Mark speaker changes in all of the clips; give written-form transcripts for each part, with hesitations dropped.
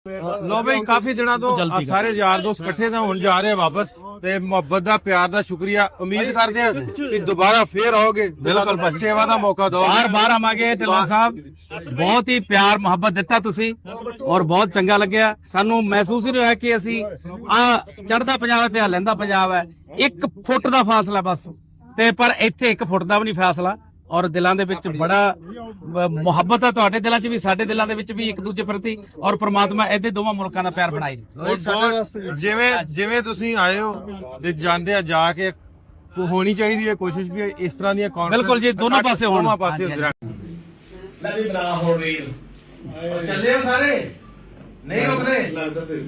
Speaker 1: ਲੋ ਬਈ ਕਾਫੀ ਦਿਨਾਂ ਤੋਂ ਸਾਰੇ ਯਾਰ ਦੋਸਤ ਇਕੱਠੇ ਤਾਂ ਹੁਣ ਜਾ ਰਹੇ ਆ ਵਾਪਸ ਤੇ ਮੁਹੱਬਤ ਦਾ ਪਿਆਰ ਦਾ ਸ਼ੁਕਰੀਆ ਉਮੀਦ ਕਰਦੇ ਆ ਕਿ ਦੁਬਾਰਾ ਫੇਰ ਆਓਗੇ ਬਿਲਕੁਲ ਸੇਵਾ ਦਾ ਮੌਕਾ ਦਿਓ
Speaker 2: ਬਾਰ ਆਵਾਂਗੇ ਢਿੱਲੋਂ ਸਾਹਿਬ ਬਹੁਤ ਹੀ ਪਿਆਰ ਮੁਹੱਬਤ ਦਿੱਤਾ ਤੁਸੀਂ ਔਰ ਬਹੁਤ ਚੰਗਾ ਲੱਗਿਆ ਸਾਨੂੰ ਮਹਿਸੂਸ ਨਹੀਂ ਹੋਇਆ ਕਿ ਅਸੀਂ ਆ ਚੜ੍ਹਦਾ ਪੰਜਾਬ ਤੇ ਲਹਿੰਦਾ ਪੰਜਾਬ ਹੈ 1 ਫੁੱਟ ਦਾ ਫਾਸਲਾ ਬਸ ਤੇ ਪਰ ਇੱਥੇ 1 ਫੁੱਟ ਦਾ ਵੀ ਨਹੀਂ ਫਾਸਲਾ ਔਰ ਦਿਲਾਂ ਦੇ ਵਿੱਚ ਬੜਾ ਮੁਹੱਬਤ ਹੈ ਤੁਹਾਡੇ ਦਿਲਾਂ 'ਚ ਵੀ ਸਾਡੇ ਦਿਲਾਂ ਦੇ ਵਿੱਚ ਵੀ ਇੱਕ ਦੂਜੇ ਪ੍ਰਤੀ ਔਰ ਪ੍ਰਮਾਤਮਾ ਇਹਦੇ ਦੋਵਾਂ ਮੁਲਕਾਂ ਦਾ ਪਿਆਰ ਬਣਾਈ
Speaker 1: ਜਿਵੇਂ ਤੁਸੀਂ ਆਏ ਹੋ ਤੇ ਜਾਂਦੇ ਆ ਜਾ ਕੇ ਹੋਣੀ ਚਾਹੀਦੀ ਹੈ ਕੋਸ਼ਿਸ਼ ਵੀ ਇਸ ਤਰ੍ਹਾਂ ਦੀਆਂ
Speaker 2: ਬਿਲਕੁਲ ਜੀ ਦੋਨੋਂ ਪਾਸੇ ਹੋਣ
Speaker 1: ਮੈਂ ਵੀ ਬਣਾ ਹੋ ਰੀਲ ਚੱਲੇ ਹੋ ਸਾਰੇ ਨਹੀਂ ਰੁਕ ਰਹੇ ਲੱਗਦਾ ਤੇ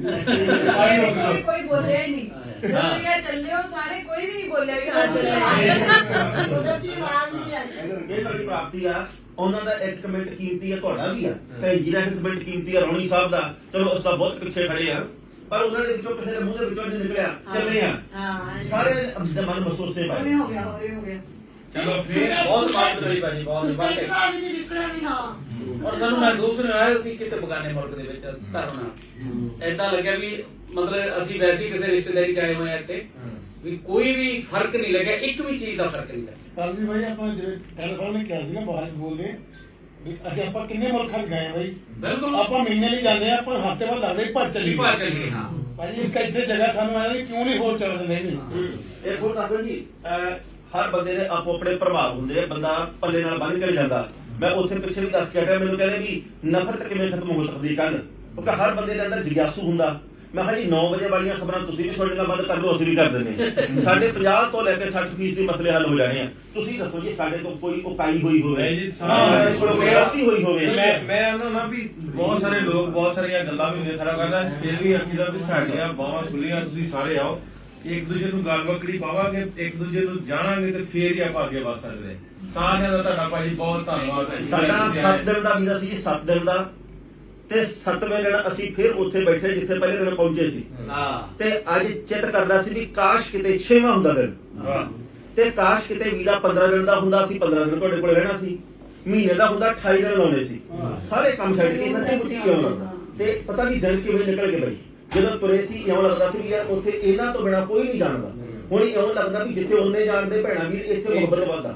Speaker 3: ਕੋਈ ਬੋਲਿਆ ਹੀ ਨਹੀਂ ਚੱਲੇ ਹੋ ਸਾਰੇ ਕੋਈ ਵੀ ਨਹੀਂ ਬੋਲਿਆ ਕਿ ਹਾਂ ਚੱਲੇ ਉਹਦੀ ਆਵਾਜ਼ ਨਹੀਂ ਆਈ
Speaker 4: ਇਹ ਸਾਡੀ ਪ੍ਰਾਪਤੀ ਆ ਉਹਨਾਂ ਦਾ 1 ਕਮੈਂਟ ਕੀਮਤੀ ਆ ਤੁਹਾਡਾ ਵੀ ਆ ਤੇ ਜਿਹੜਾ 1 ਕਮੈਂਟ ਕੀਮਤੀ ਆ ਰੌਣੀ ਸਾਹਿਬ ਦਾ ਚਲੋ ਉਸ ਦਾ ਬਹੁਤ ਪਿੱਛੇ ਖੜੇ ਆ ਪਰ ਉਹਨਾਂ ਦੇ ਵਿੱਚੋਂ ਕਿਸੇ ਦੇ ਮੂੰਹ ਦੇ ਵਿੱਚੋਂ ਨਹੀਂ ਨਿਕਲਿਆ ਚੱਲੇ ਆ ਸਾਰੇ ਮਨ ਮਹਿਸੂਸੇ ਪਾਏ
Speaker 3: ਹੋ ਗਿਆ
Speaker 4: ਚਲੋ ਫਿਰ ਬਹੁਤ ਬਾਤ ਹੋਈ ਭਾਜੀ ਬਹੁਤ ਬਾਤ
Speaker 3: ਨਿਕਲਿਆ ਨਹੀਂ ਹਾਂ
Speaker 5: ਔਰ ਸਾਨੂੰ ਮਹਿਸੂਸ ਨਹੀਂ ਹੋਇਆ ਅਸੀਂ ਕਿਸੇ ਬਗਾਨੇ ਮੁਲਕ ਦੇ ਵਿੱਚ ਧਰਨਾ ਏਦਾਂ ਲੱਗਿਆ ਵੀ ਮਤਲਬ ਅਸੀਂ ਵੈਸੇ ਕਿਸੇ ਰਿਸ਼ਤੇਦਾਰੀ ਚ ਆਏ ਹੋਏ ਆ ਇੱਥੇ ਵੀ ਕੋਈ ਵੀ ਫਰਕ ਨਹੀਂ ਲੱਗਿਆ ਇੱਕ ਵੀ ਚੀਜ਼ ਦਾ ਫਰਕ ਨਹੀਂ ਲੱਗਿਆ
Speaker 6: ਕਰਦੀ ਭਾਈ ਆਪਾਂ ਜਿਹੜੇ ਕੱਲ ਸਾਹਿਬ ਨੇ ਕਿਹਾ ਸੀ ਨਾ ਬਾਹਰ ਬੋਲਦੇ ਵੀ ਅਸੀਂ ਆਪਾਂ ਕਿੰਨੇ ਮੁਲਕਾਂ 'ਚ ਗਏ ਆ ਬਾਈ
Speaker 5: ਬਿਲਕੁਲ
Speaker 6: ਆਪਾਂ ਮਹੀਨੇ ਲਈ ਜਾਂਦੇ ਆ ਆਪਾਂ ਹਫ਼ਤੇ ਬਾਅਦ ਲੱਗਦੇ ਭੱਜ ਚੱਲੀਏ
Speaker 5: ਹਾਂ
Speaker 6: ਭਾਈ ਇੱਕ ਇੱਥੇ ਜਗ੍ਹਾ ਸਾਨੂੰ ਆਇਆ ਵੀ ਕਿਉਂ ਨਹੀਂ ਹੋਰ ਚੱਲ ਦਿੰਦੇ ਨਹੀਂ
Speaker 4: ਇਹ ਹੋਰ ਦੱਸੋ ਜੀ ਹਰ ਬੰਦੇ ਦੇ ਆਪੋ ਆਪਣੇ ਪ੍ਰਭਾਵ ਹੁੰਦੇ ਆ ਬੰਦਾ ਪੱਲੇ ਨਾਲ ਬੰਨ ਕੇ ਜਾਂਦਾ ਮੈਂ ਉੱਥੇ ਪਿੱਛੇ ਵੀ ਦੱਸ ਕੇ ਹਟਿਆ ਮੈਨੂੰ ਕਹਿੰਦੇ ਵੀ ਨਫ਼ਰਤ ਕਿਵੇਂ ਖਤਮ ਹੋ ਸਕਦੀ ਕੱਲ ਕਿਉਂਕਿ ਹਰ ਬੰਦੇ ਦੇ ਅੰਦਰ ਜਿਗਿਆਸੂ ਹੁੰਦਾ ਮੈਂ ਕਿਹਾ ਜੀ 9 ਵਜੇ ਵਾਲੀਆਂ ਖਬਰਾਂ ਤੁਸੀਂ ਵੀ ਤੁਹਾਡੇ ਨਾਲ ਬੰਦ ਕਰ ਲਓ ਅਸੀਂ ਵੀ ਕਰ ਦਿੰਦੇ ਸਾਡੇ 50 ਤੋਂ ਲੈ ਕੇ 60% ਦੇ ਮਸਲੇ ਹੱਲ ਹੋ ਜਾਣੇ ਆ ਤੁਸੀਂ ਦੱਸੋ ਜੀ ਸਾਡੇ ਤੋਂ ਕੋਈ ਉਕਾਈ ਹੋਈ ਹੋਵੇ ਗਲਤੀ ਹੋਈ ਹੋਵੇ
Speaker 1: ਮੈਂ ਉਹਨਾਂ ਨਾਲ ਵੀ ਬਹੁਤ ਸਾਰੇ ਲੋਕ ਬਹੁਤ ਸਾਰੀਆਂ ਗੱਲਾਂ ਵੀ ਹੁੰਦੀਆਂ ਸਾਰਾ ਕਰਦਾ ਫਿਰ ਵੀ ਅਖੀਦਾ ਵੀ ਸਾਡੀਆਂ ਬਾਹਾਂ ਖੁੱਲੀਆਂ ਤੁਸੀਂ ਸਾਰੇ ਆਓ ਇੱਕ ਦੂਜੇ ਨੂੰ ਗੱਲ ਬੱਕੜੀ ਪਾਵਾਂਗੇ ਇੱਕ ਦੂਜੇ ਨੂੰ ਜਾਣਾਂਗੇ ਤੇ ਫੇਰ ਹੀ ਆਪਾਂ ਅੱਗੇ ਵਧ ਸਕਦੇ ਸਾਰਿਆਂ ਦਾ ਤੁਹਾਡਾ ਭਾਜੀ ਬਹੁਤ ਧੰਨਵਾਦ
Speaker 4: ਸਾਡਾ 7 ਦਿਨ ਦਾ ਵੀਜ਼ਾ ਸੀ ਜੀ 7 ਦਿਨ ਦਾ ਤੇ 7ਵੇਂ ਦਿਨ ਅਸੀਂ ਫਿਰ ਉੱਥੇ ਬੈਠੇ ਜਿੱਥੇ ਪਹਿਲੇ ਦਿਨ ਪਹੁੰਚੇ ਸੀ ਤੇ ਅੱਜ ਚਿੱਤ ਕਰਦਾ ਸੀ ਵੀ ਕਾਸ਼ ਕਿਤੇ 6ਵਾਂ ਹੁੰਦਾ ਦਿਨ ਤੇ ਕਾਸ਼ ਕਿਤੇ ਵੀਜ਼ਾ 15 ਦਿਨ ਦਾ ਹੁੰਦਾ ਸੀ 15 ਦਿਨ ਤੁਹਾਡੇ ਕੋਲ ਰਹਿਣਾ ਸੀ ਮਹੀਨੇ ਦਾ ਹੁੰਦਾ 28 ਦਿਨ ਲਾਉਣੇ ਸੀ ਸਾਰੇ ਕੰਮ ਛੱਡ ਕੇ ਸੱਚੀ ਮੁੱਠੀ ਆਉਣਾ ਤੇ ਪਤਾ ਨਹੀਂ ਦਿਨ ਕਿਵੇਂ ਨਿਕਲ ਗਏ ਬਾਈ ਜਦੋਂ ਤੁਰੇ ਸੀ ਇਉਂ ਲੱਗਦਾ ਸੀ ਵੀ ਯਾਰ ਉੱਥੇ ਇਹਨਾਂ ਤੋਂ ਬਿਨਾ ਕੋਈ ਨਹੀਂ ਜਾਣਦਾ ਹੁਣ ਇਉਂ ਲੱਗਦਾ ਵੀ ਜਿੱਥੇ ਉਹਨੇ ਜਾਣਦੇ ਭੈਣਾ ਵੀਰ ਇੱਥੇ ਮੁਹੱਬਤ ਵੱਧਦਾ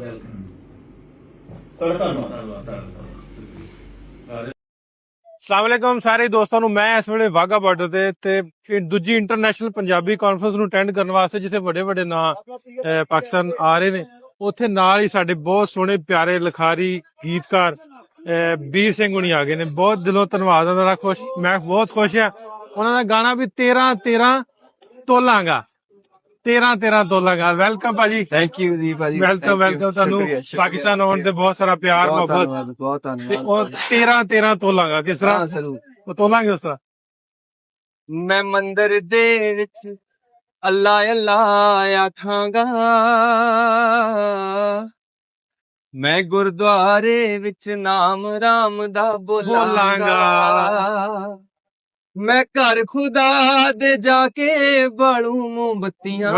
Speaker 4: ਧੰਨਵਾਦ
Speaker 1: ਅਸਲਾਮੁਅਲੈਕੁਮ ਸਾਰੇ ਦੋਸਤਾਂ ਨੂੰ ਮੈਂ ਇਸ ਵੇਲੇ ਵਾਘਾ ਬਾਰਡਰ ਤੇ ਦੂਜੀ ਇੰਟਰਨੈਸ਼ਨਲ ਪੰਜਾਬੀ ਕਾਨਫਰੰਸ ਨੂੰ ਅਟੈਂਡ ਕਰਨ ਵਾਸਤੇ ਜਿੱਥੇ ਵੱਡੇ ਵੱਡੇ ਨਾਂ ਪਾਕਿਸਤਾਨ ਆ ਰਹੇ ਨੇ ਉੱਥੇ ਨਾਲ ਹੀ ਸਾਡੇ ਬਹੁਤ ਸੋਹਣੇ ਪਿਆਰੇ ਲਿਖਾਰੀ ਗੀਤਕਾਰ ਵੀਰ ਸਿੰਘ ਹੁਣੀ ਆ ਗਏ ਨੇ ਬਹੁਤ ਦਿਲੋਂ ਧੰਨਵਾਦ ਉਹਨਾਂ ਦਾ ਮੈਂ ਬਹੁਤ ਖੁਸ਼ ਆ ਉਹਨਾਂ ਦਾ ਗਾਣਾ ਵੀ 13 ਤੋਲਾਂਗਾ 13 ਤੋਲਾਂਗਾ ਵੈਲਕਮ ਭਾਜੀ
Speaker 7: ਥੈਂਕ ਯੂ ਜੀ ਭਾਜੀ
Speaker 1: ਵੈਲਕਮ ਤੁਹਾਨੂੰ ਪਾਕਿਸਤਾਨ ਆਉਣ ਤੇ ਬਹੁਤ ਸਾਰਾ ਪਿਆਰ ਮੁਹੱਬਤ
Speaker 7: ਬਹੁਤ ਧੰਨਵਾਦ
Speaker 1: ਤੇ ਉਹ 13 ਤੋਲਾਂਗਾ ਕਿਸ ਤਰ੍ਹਾਂ ਉਹ ਤੋਲਾਂਗੇ ਉਸ ਤਰ੍ਹਾਂ
Speaker 7: ਮੈਂ ਮੰਦਰ ਦੇ ਵਿੱਚ ਅੱਲਾ ਅੱਲਾ ਆਖਾਂਗਾ ਮੈਂ ਗੁਰਦੁਆਰੇ ਵਿੱਚ ਨਾਮ ਰਾਮ ਦਾ ਬੋਲਾਂਗਾ ਮੈਂ ਘਰ ਖੁਦਾ ਦੇ ਜਾ ਕੇ ਬਾਲੂ ਮੋਮਬੱਤੀਆਂ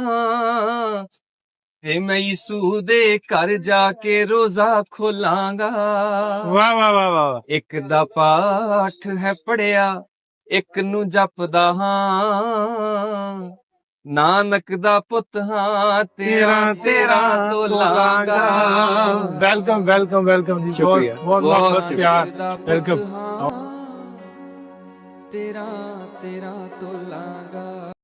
Speaker 7: ਤੇ ਮੈਂ ਯਿਸੂ ਦੇ ਘਰ ਜਾ ਕੇ ਰੋਜ਼ਾ ਖੋਲਾਂਗਾ
Speaker 1: ਵਾਹ ਵਾਹ ਵਾਹ ਵਾਹ
Speaker 7: ਇੱਕ ਦਾ ਪਾਠ ਹੈ ਪੜਿਆ ਇੱਕ ਨੂੰ ਜਪਦਾ ਹਾਂ ਨਾਨਕ ਦਾ ਪੁੱਤ ਹਾਂ 13 ਤੋਲਾਂਗਾ
Speaker 1: ਵੈਲਕਮ ਜੀ ਬਹੁਤ ਪਿਆਰ ਵੈਲਕਮ
Speaker 7: 13 ਤੋਲਾਂਗਾ